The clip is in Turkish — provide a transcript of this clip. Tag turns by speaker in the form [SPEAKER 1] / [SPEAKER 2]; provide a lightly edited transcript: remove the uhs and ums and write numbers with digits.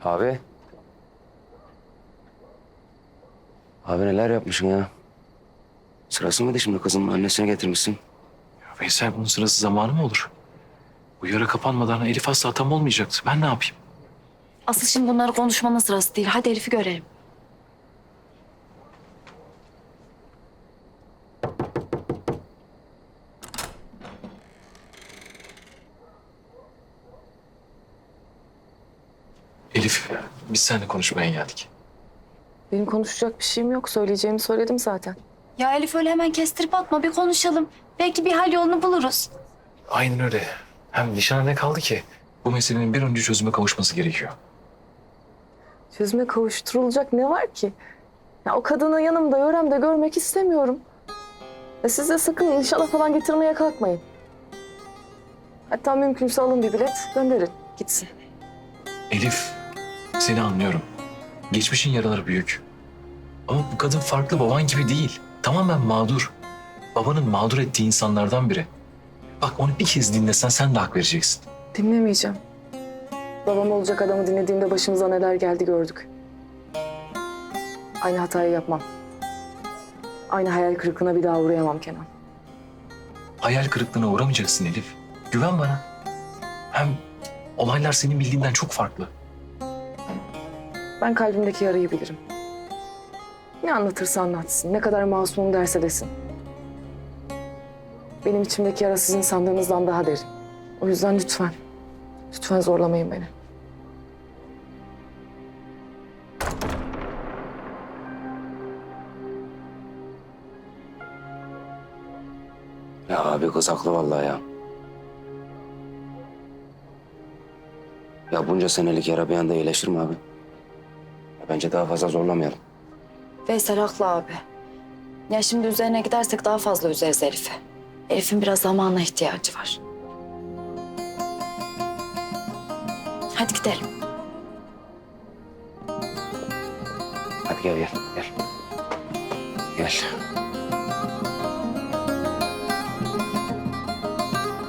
[SPEAKER 1] Abi. Abi neler yapmışsın ya? Sırası mıydı şimdi kızın annesine getirmişsin?
[SPEAKER 2] Ya Veysel, bunun sırası zamanı mı olur? Bu yara kapanmadan Elif asla tam olmayacaktı. Ben ne yapayım?
[SPEAKER 3] Asıl şimdi bunları konuşmanın sırası değil. Hadi Elif'i görelim.
[SPEAKER 2] Elif, biz seninle konuşmaya geldik.
[SPEAKER 4] Benim konuşacak bir şeyim yok. Söyleyeceğimi söyledim zaten.
[SPEAKER 3] Ya Elif öyle hemen kestirip atma. Bir konuşalım. Belki bir hal yolunu buluruz.
[SPEAKER 2] Aynen öyle. Hem nişana ne kaldı ki? Bu meselenin bir önce çözüme kavuşması gerekiyor.
[SPEAKER 4] Çözüme kavuşturulacak ne var ki? Ya o kadını yanımda, yöremde görmek istemiyorum. Siz de sakın nişana falan getirmeye kalkmayın. Hatta mümkünse alın bir bilet, gönderin. Gitsin.
[SPEAKER 2] Elif, seni anlıyorum. Geçmişin yaraları büyük. Ama bu kadın farklı, baban gibi değil. Tamamen mağdur. Babanın mağdur ettiği insanlardan biri. Bak, onu bir kez dinlesen sen de hak vereceksin.
[SPEAKER 4] Dinlemeyeceğim. Babam olacak adamı dinlediğimde başımıza neler geldi gördük. Aynı hatayı yapmam. Aynı hayal kırıklığına bir daha uğrayamam Kenan.
[SPEAKER 2] Hayal kırıklığına uğramayacaksın Elif. Güven bana. Hem olaylar senin bildiğinden çok farklı.
[SPEAKER 4] Ben kalbimdeki yarayı bilirim. Ne anlatırsa anlatsın, ne kadar masumum derse desin. Benim içimdeki yara sizin sandığınızdan daha derin. O yüzden lütfen, lütfen zorlamayın beni.
[SPEAKER 1] Ya abi kız haklı vallahi ya. Ya bunca senelik yara bir anda iyileşir mi abi? Ya bence daha fazla zorlamayalım.
[SPEAKER 3] Veysel haklı abi. Ya şimdi üzerine gidersek daha fazla üzeriz Elif'i. Elif'in biraz zamana ihtiyacı var. Hadi gidelim.
[SPEAKER 1] Hadi gel. Gel.